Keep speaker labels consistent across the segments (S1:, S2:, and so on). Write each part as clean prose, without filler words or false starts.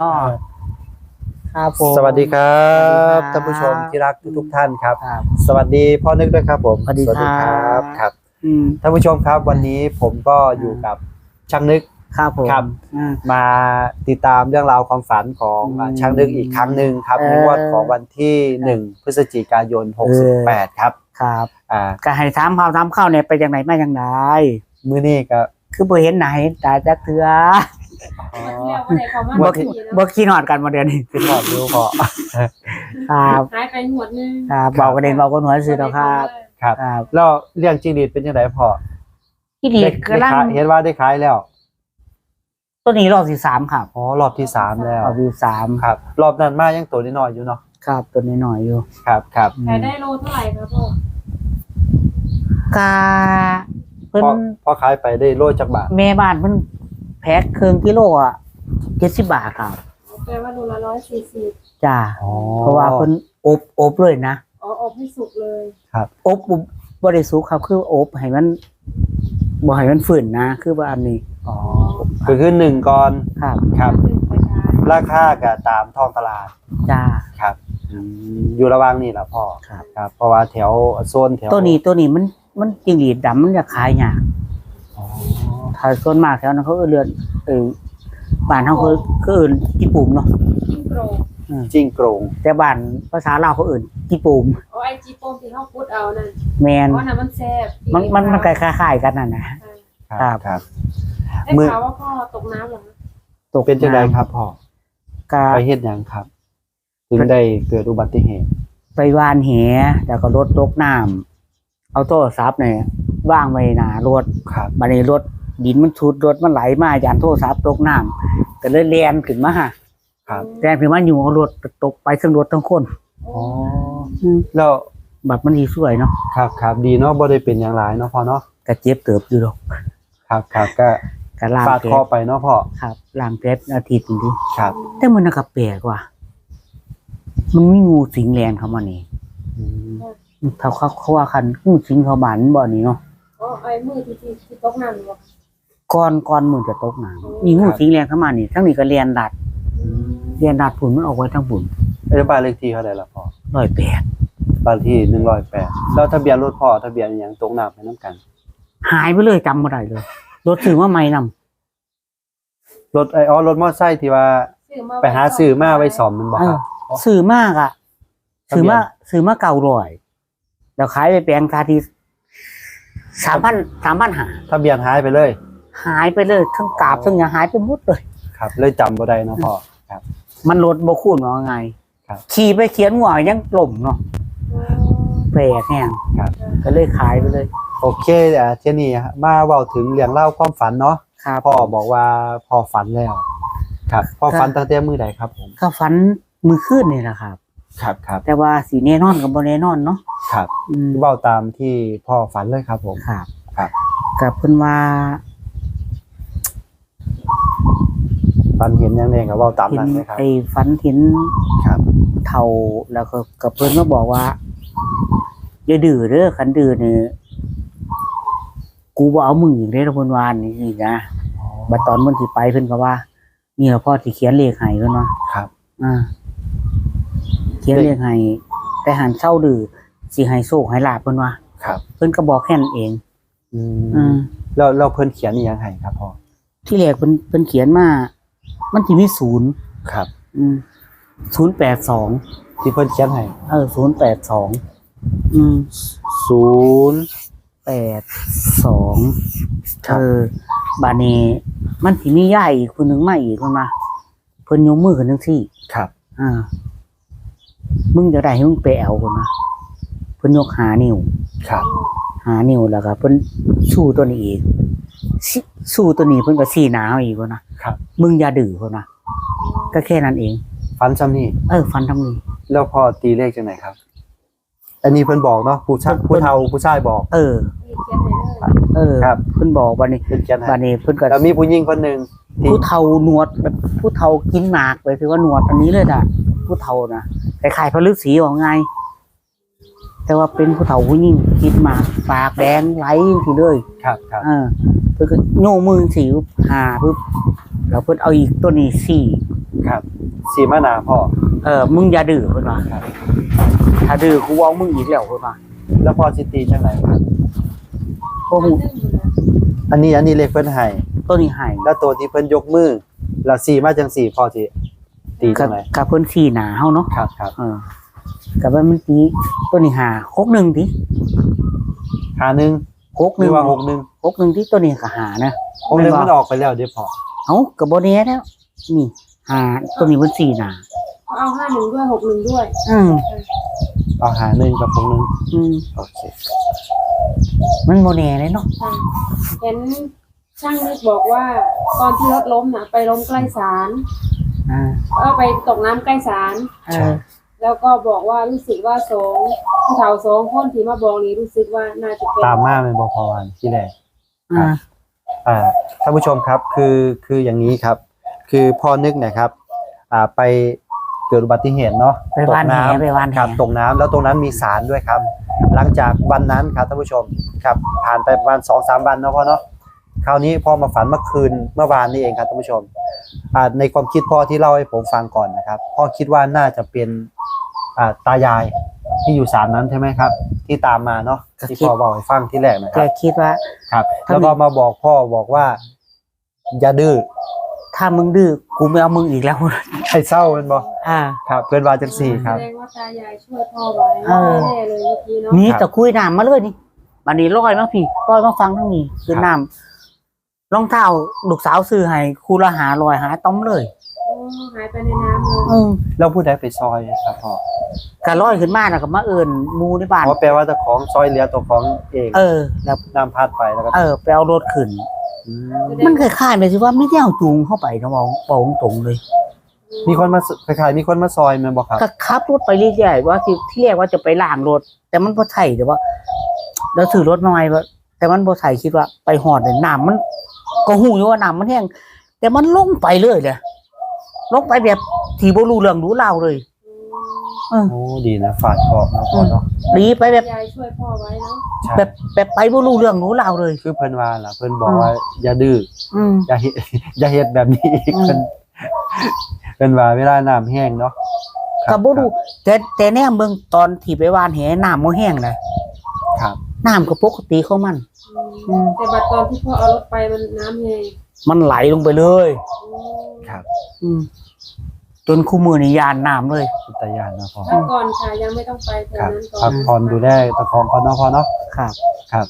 S1: ก็ครับผม
S2: สวัสดีครับ
S1: สวัสดีครับ
S2: ท่านผู้ชมที่รักทุกท่านครับ
S1: ครับ
S2: สวัสดีพ่อนึกด้วยครับผม
S1: สวัสดีครับ
S2: ครับ
S1: อืม
S2: ท่านผู้ชมครับวันนี้ผมก็อยู่กับช่างนึก
S1: ครับผม
S2: ครับ
S1: อืม
S2: มาติดตามเรื่องราวความฝันของ
S1: อืม
S2: ช่างนึกอีกครั้งหนึ่งครับในงวดของวันที่1 พฤศจิกายน 68ครับ
S1: ครับ
S2: อ่า
S1: ก็ให้ถามเข้าเนี่ยไปอย่างไหนมาอย่างไร
S2: มื้อนี้ก็
S1: คือบ่เห็นไหนตาจักเถือ
S2: อ๋อ
S3: วันที่แล้ววันไหนเขามา
S1: บ่
S3: ที่
S1: บ่ขี้นอดกันมาเดือนนี้
S2: ขึ้นหอดดูพอ
S1: ครับ
S3: หายไปหวดนึง
S1: ครับเบากระเด็นเบากระหนวดสิเนาะครับ
S2: ครับ
S1: ครับ
S2: แล้วเรื่องจริงดีเป็นยังไงพอ
S1: ที่ดี
S2: ได้
S1: กำลัง
S2: ขายเห็นว่าได้ขายแล้ว
S1: ตัวนี้รอบที่สามครับ
S2: อ๋อรอบที่3แล้ว
S1: รอบที่สาม
S2: ครับ รอบนั้นมายังตัวน้อยๆอยู่เนาะ
S1: ครับตัวนี้หน่อยอยู่
S2: ครับ
S1: อืม
S3: ขายได้โลเท่าไหร่ครับพ่อก
S1: าเพิ่น
S2: พอขายไปได้โลจักบาท
S1: แม่บ้านเพิ่นแพ็คครึ่งกิโลอ่ะ70 บาทครับ
S3: แปลว่าโลละ140
S1: จ้า
S2: อ๋อ
S1: เพราะว่าเพิ่นอบเลยนะ
S3: อ๋ออบให้สุกเลย
S1: อบบ่ได้สุกครับคืออบให้มันบ่ให้มันฝืนนะคือว่าอันนี้
S2: อ๋อคือ1ก่อน
S1: ครับ
S2: ครับ
S3: ขึ้นไปได้
S2: ราคาก็ตามท้องตลาด
S1: จ้า
S2: ครับอยู่ระหว่างนี่แหละพ่อ
S1: ครับ
S2: ครับ เพราะว่าแถวโซนแถว
S1: ตัวนี้มันจิงหรีดดำมันจะขายยาก
S2: อ๋อ
S1: ถ้าส่วนมากแถวนั้นเขาเรือนบ้านเฮาคืออื่นกี่ปุ่มเนาะ
S3: จิ้งโกรง
S2: จิ้งโกรง
S1: แต่บ้านภาษาลาวเขาอื่นกี่ปุ่ม
S3: อ๋อไอจีโปมที่เขาพูดเอานั่น
S1: แมน
S3: เพราะน่ะมันแซ่บ
S1: มันคล้ายๆกันนั่นนะ ครับ
S2: ครับ
S3: ได้
S2: มือ
S3: ข่าวว่าพ่อตกน้ำเหรอคะ
S1: ตก
S2: เป็นจังไดครับพ่อ
S1: ก็
S2: ไปเฮ็ดหยังครับ ถึงได้เกิดอุบัติเหตุ
S1: ไปวานแหแล้วก็รถตกน้ำเอาโทรศัพท์เนี่ยวางไว้หน้ารถ
S2: ครับ
S1: บัดนี้รถดินมันชุดรถมันไหลมาย่านโทรศัพท์ตกน้ำก็เลยแล่นขึ้นมา
S2: ครับ
S1: แล่นขึ้นมาอยู่เอารถตกไปทั้งรถทั้งคน
S2: อ๋อแล้ว
S1: บัดมันสิสวยเนาะ
S2: ครับดีเนาะบ่ได้เป็นอย่างหลายเนาะพ่อเนาะ
S1: ก็เจ็บเติบอยู่ดอก
S2: ครับก็
S1: ก็ล้าง
S2: ฟาด
S1: เพ
S2: คอ
S1: ชร
S2: ไปเนาะพ่อ
S1: ครับล้างเพชรอาทิตย์นึงดิ
S2: ครับ
S1: แต่มันน่ะก็แปลกว่ะมันมีงูสิงแลนเข้ามานี่
S2: อืม
S1: เขาว่าคันงูสิงเข้าบ้านบ่นี่เนาะ
S3: อ๋อไอ้มือที่ตกน้ำหรือเปล่า
S1: ก่อนมื้อจะตกน้ำมีงูสิงแลนเข้ามานี่ทั้งนี้ก็เรียนดัดฝุ่นมันออกไว้ทั้งฝุ่น
S2: บ้านเลขที่เท่าไหร่ล่ะพ่อ
S1: 108
S2: บ้านที่108แล้วทะเบียนรถพ่อทะเบียนหยังตรงน้ำไปน้ำกัน
S1: หายไปเลยจำบ่ได้เลยรถถือว่าไม่นำ
S2: รถรถมอเตอร์ไซค์ที่ว่า
S3: ซื้อมา
S2: ไปหาซื้อมาไว้ซ่อมมันบ่ครับ
S1: ซื้อมากอ่ะ
S2: ทะเบียน
S1: ซื้อมา900แล้วขายไปแปลงคาที่3,000
S2: ทะเบียนหายไปเลย
S1: หายไปเลยทั้งกราบทั้งหยังหายไปหมดเลย
S2: ครับ เลยจำบ่ได้เนาะพ่อ
S1: มันรถบ่คูนว่าไง
S2: ครับ
S1: ขี่ไปเขียนหัวยังกล่มเนาะ
S3: อ๋อ
S1: แปลกแฮง
S2: ครับ
S1: ก็เลยขายไปเลย
S2: โอเคเที่ยนี้มาเว้าถึงเรื่องเล่าวความฝันเนาะ
S1: ครับ
S2: พ่อบอกว่าพ่อฝันแล้ว ครับพ่อฝันตั้งแต่มื้อใดครับผม
S1: ก็ฝันมือคืนนี่แหละครับ
S2: ครับ
S1: แต่ว่าสีแน่นอนกับบ่แน่นอนเนาะ
S2: ครับ
S1: อืม
S2: เว้าตามที่พ่อฝันเลยครับผม
S1: ครับ
S2: ครับ
S1: กับเพิ่นว่า
S2: ฝันเห็นหยังไงก็เว้าตามนั้นเลยครับ
S1: ไอ้ฝันเห็น
S2: ครับ
S1: เฒ่าแล้วก็กับเพิ่นมาบอกว่าอย่าดื้อเด้อคันดื้อนี่กูบ่เอามึงอีกเด้อเพิ่นว่านี่นะบัดตอนเพิ่นสิไปเพิ่นก็ว่า นี่ล่ะพ่อสิเขียนเลขให้เพิ่นว่า
S2: ครับ
S1: เขียนเลขให้แต่หันเศร้าดื้อสิให้โชคให้ลาภเพิ่นว่า
S2: ครับ
S1: เพิ่นก็บอกแค่นั้นเอง
S2: อื
S1: อื
S2: ม
S1: ม
S2: แล้วเพิ่นเขียนอีหยังให้ครับพ่อ
S1: ที่แรกเพิ่นเขียนมามันสิมี0
S2: ครับ
S1: 082
S2: ที่เพิ่นเขียนให้
S1: 082
S2: 0 ครับ
S1: บาดนี้มันสิมียายอีกคนหนึงมาอีกเพิ่นมาเพิ่นยกมือขึ้นจังซี่
S2: ครับ
S1: มึงจะได้ให้มึงไปเอาเพิ่นนะเพิ่นยก5 นิ้ว
S2: ครับ
S1: 5 นิ้วแล้วก็เพิ่นสู้ตัวนี้อีกสู้ตัวนี้เพิ่นก็ชี้หน้าเอาอีกเพิ่นนะครับ มึงอย่าดื้อเพิ่นนะก็แค่นั้นเอง
S2: ฝันซ้ำนี่
S1: ฟันทำนี้
S2: แล้วพ่อตีเลขจังไหนครับ อันนี้เพิ่นบอกเนาะผู้เฒ่าผู้ชายบอก
S3: เขียนให้เลย
S2: ครับ
S1: เพิ่นบอกบัดนี้
S2: เพิ่นเขียนให้
S1: บัดนี้เพิ่นก็
S2: แล้วมีผู้หญิงคนหนึงที่
S1: ผู้เฒ่าหนวดแบบผู้เฒ่ากินหมากไปคือว่าหนวดอันนี้เลยจ้ะผู้เฒ่านะคล้ายๆพระฤาษีว่าไงแต่ว่าเป็นผู้เฒ่าผู้หญิงกินหมากปากแดงไหลทีเลย
S2: ครับ
S1: เพิ่นก็โยกมือสีหาปึ๊บแล้วเพิ่นเอาอีกตัวนี้สี่
S2: ครับสีมะนาวพ่อ
S1: มึงอย่าดื้อเพิ่นว่า
S2: ครับ
S1: ถ้าดื้อกูเอามึงอีกแล้วเพิ่นว่า
S2: แล้วพ่อสิตีจังไหนครับ
S1: บ่ฮู้
S2: อันนี้เลขเพิ่นให้
S1: ตัวนี้ให้
S2: แล้วตัวที่เพิ่นยกมือแล้วสีมาจังสี่พ่อสิตี
S1: กั
S2: จั
S1: บ
S2: งไหน
S1: กับเพิ่นชี้หน้าเฮาเนาะ
S2: ครับ
S1: กับว่ามันตีตัวนี้หา61ติ
S2: หาหนึ่งหรือว่า61
S1: ที่ตัวนี้ก็หานะ
S2: 61มันออกไปแล้วเด้อพ่อ
S1: เอ้าก็บ่แน่แล้วนี่หาตัวนี้มันชี้หน้า
S3: เอา51ด้วย61ด้วย
S1: อืม
S2: เอาหาหนึ่งกับ61
S1: อืม
S2: โอเค
S1: มันโมเน่เลยเนาะ
S3: ค่ะเห็นช่างนึกบอกว่าตอนที่รถล้มน่ะไปล้มใกล้ศาล ไปตกน้ำใกล้ศาล
S1: เออ
S3: แล้วก็บอกว่ารู้สึกว่าสองผู้เฒ่าสองคนที่มาบอกนี้รู้สึกว่าน่าจะเป็น
S2: ตามมาเป็นบ่พอวันที่แรก
S1: อ่า
S2: ท่านผู้ชมครับคืออย่างนี้ครับ คือพ่อนึกนะครับไปเกิดอุบัติเหตุเนาะ
S1: ไปวานแหไปวานแห
S2: ครับตกน้ำแล้วตรงนั้นมีสารด้วยครับ หลังจากวันนั้นครับท่านผู้ชมครับผ่านไปประมาณ 2-3 วันเนาะพ่อเนาะคราวนี้พ่อมาฝันเมื่อวานนี้เองครับท่านผู้ชมในความคิดพ่อที่เล่าให้ผมฟังก่อนนะครับพ่อคิดว่าน่าจะเป็นตายายที่อยู่ศาลนั้นใช่ไหมครับ ที่ตามมาเนาะที่พ่อบอกให้ฟังที่แรกนะค
S1: แก
S2: รับ
S1: คิดว่า
S2: ครับแล้วก็มาบอกพ่อบอกว่าอย่าดื้อ
S1: ถ้ามึงดื้อกูไม่เอามึงอีกแล้ว
S2: ให้เศร้าเป็นบ่
S1: อ่า
S2: ครับเพื่อนว่าจังสี่ครับ
S3: แสดงว่าตายายช่วยพ่อไว้
S1: เออ
S3: แน่เลยเมื่อกี้เนาะ
S1: นี่ตะคุยน้ำมาเลยนี่บันนี้ลอยมาพี่ลอยมาฟังทั้งนี้คือน้ำรองเท้าลูกสาวซื้อให้คูละ500หาต้อมเลย
S3: โอ้หายไปในน้ำเลย
S1: อืม
S2: แล้วผู้ใดไปซอยครับพ่อ
S1: ก็ลอยขึ้นมาแล้วก็มาเอิ้นหมู่ในบ้าน
S2: เพราะแปลว่าเจ้าของซอยเหลือตัวของเอง
S1: แล้ว
S2: น้ำพัดไปแล้วก็
S1: ไปเอารถขึ้น มันคล้ายๆแบบที่ว่าไม่ได้เอาจูงเข้าไปนะบอกตรงๆเลย
S2: มีคนมาคล้ายๆมีคนมาซอยแมันบอกครับ
S1: ก็ขับรถไปเรื่อยๆว่าที่เรียกว่าจะไปล้างรถ แต่มันบ่ใช่แต่ว่าเราถือรถน้อยว่าแต่มันบ่ใช่คิดว่าไปหอดเนี่ยน้ำมันก็หูอยู่ว่าน้ำมันแห้งแต่มันลงไปเลยเลยลงไปแบบที่บ่รู้เรื่องรู้ราวเลยเออ
S2: โอ้ดีนะฝาดเคราะห์นะพ่อเนาะ
S1: ดีไปแบบ
S3: ยายช่วยพ่อไว้เนาะ
S2: ใช่
S1: แบบไปบ่รู้เรื่องรู้ราวเลย
S2: คือเพิ่นว่าล่ะเพิ่นบอกว่าอย่าดื้อ
S1: อืม
S2: อย่าเฮ็ด อย่าเฮ็ดแบบนี้อีก
S1: อืม
S2: เพิ่นว่าเวลาน้ำแห้งเนาะค
S1: ก็
S2: รับ
S1: บ่รู้แต่แน่เบิ่งตอนที่ไปวานแหน้ำบ่แห้งเลย
S2: ครับ
S1: น้ำก็ปกติของมัน อืม
S3: แต่บัดตอนที่พ่อเอารถไปมันน้ำแห้ง
S1: มันไหลลงไปเลย
S2: ครับ
S1: อืมจนคู่มือนี่ยานน้ำเลย
S2: อุตยานนะพ่อ
S3: พักก่อนค่ะยังไม่ต้องไปแถ
S2: คว รับ
S3: นั้นก่อ
S2: พั
S3: น
S2: กผ่อนดูแลตะของก่อนเนาะพ่อเนาะ
S1: ครับ
S2: ครับ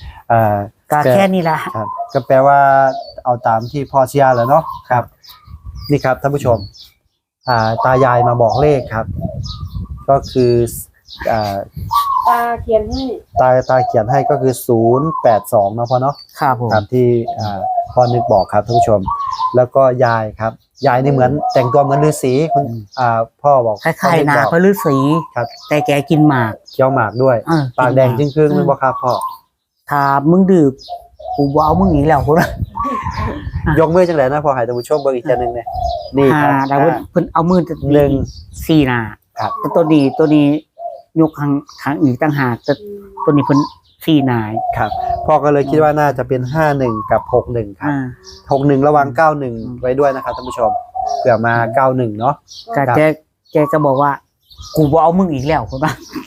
S1: ก็แค่นี้แหละ
S2: ครับก็แปลว่าเอาตามที่พ่อเชียร์แล้วเนาะครับ นี่ครับท่านผู้ชมตายายมาบอกเลขครับ ก็คืออ่า
S3: ตาเขียนให้
S2: ตาเขียนให้ก็คือ082เนาะพ่อเนาะ
S1: ครับผม
S2: ครับที่พ่อนึกบอกครับท่านผู้ชม แล้วก็ยายครับยายนี่เหมือนแต่งตัวเหมือนฤาษีคุณพ่อบอก
S1: คล้ายๆนา
S2: พ่อ
S1: พระฤาษี
S2: ครับ
S1: แต่แกกินหมาก
S2: เคี้ยวหมากด้วย ปากแดงจึงครึ่งๆไม่บอกครับพ่อ
S1: ถ้ามึงดื้อกูบ่เอามึงอีกแล้วคนละ
S2: ยกมือจังเลยนะพ่อให้ท่านผู้ชมเบิ่งอีกทีนึงเนี่ยนี่ครับ
S1: แล้วเพิ่นเอามือจะ
S2: หนึ่ง
S1: สี่หน้า
S2: ครับ
S1: แต่ตัวนี้ยกข้างอีกต่างหากแต่ตัวนี้เพิ่นสี่หน้า
S2: ครับพ่อก็เลยคิดว่าน่าจะเป็น51กับ61ครับ 61ระวัง91ไว้ด้วยนะครับท่านผู้ชมเผื่อมา91เนาะ
S1: ก็แกก็บอกว่า กูบ่เอามึงอีกแล้วคนละ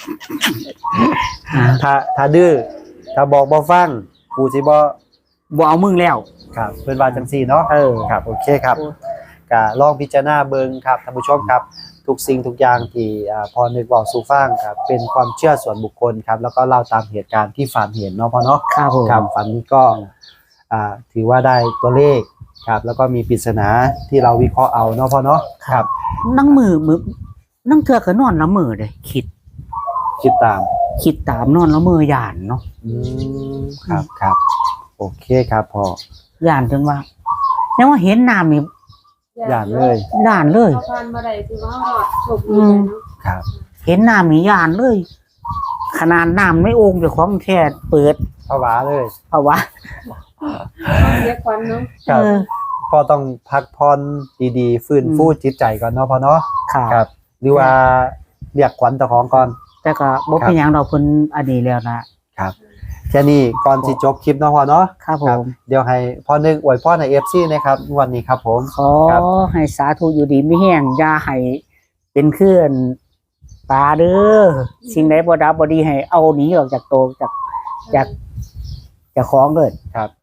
S2: ถ้าดื้อถ้าบอกบ่ฟังกูสิบ่
S1: บ่เอามึงแล้ว
S2: ครับเพิ่นว่าจังซี่เนาะ
S1: เออ
S2: ครับโอเคครับก็ลองพิจารณาเบิ่งครับท่านผู้ชมครับทุกสิ่งทุกอย่างที่พอนึกบอกสู่ฟังครับเป็นความเชื่อส่วนบุคคลครับแล้วก็เล่าตามเหตุการณ์ที่ฝันเห็นเนาะพ่อเนาะ
S1: ครับผม
S2: ครับฝันนี้ก็ถือว่าได้ตัวเลขครับแล้วก็มีปริศนาที่เราวิเคราะห์เอาเนาะพ่อเนาะครับ
S1: นั่งมือนั่งเถื่อก็นอนละมือเลยคิด
S2: คิดตาม
S1: ตามนอนละมือย่านเนาะ
S2: ครับครับโอเคครับพ่อย่
S1: านจนว่ายังว่าเห็นน้ำนี่
S2: ย่านเลย
S1: ย่านเลย
S3: เขาพันมาได้คือว่าเขาหลอดโชคดีเลยเนาะ
S2: ครับ
S1: เห็นน้ำนี่ย่านเลย ขนาดน้ำไม่โอ่งเจ้าของแค่เปิด
S2: ภาวะเลย
S1: เพราะว่า
S3: เขาเสียขวัญเนาะ
S2: ครับ
S1: เออ
S2: พ่อต้องพักผ่อนดีๆฟื้นฟูจิตใจก่อนเนาะพ่อเนาะ
S1: ครับ
S2: ครับหรือว่าเรียกขวัญเจ้าของก่อน
S1: แต่ก็บ่เป็นหยังดอกเพิ่นอันนี้แล้วนะครับ
S2: แค่นี้ก่อนสิจบคลิปเนาะพ่อเนาะ
S1: ครับผ
S2: ครับ
S1: ม
S2: เดี๋ยวให้พ่อนึกอวยพรให้ FC นะครับวันนี้ครับผม
S1: ขอ
S2: ครับ
S1: ให้สาธุอยู่ดีไม่แห้งอย่าให้เป็นเคลื่อนปลาเด้อสิ่งไหนบ่ดับบ่ดีให้เอาหนีออกจากโตจากของเกิด
S2: ครับ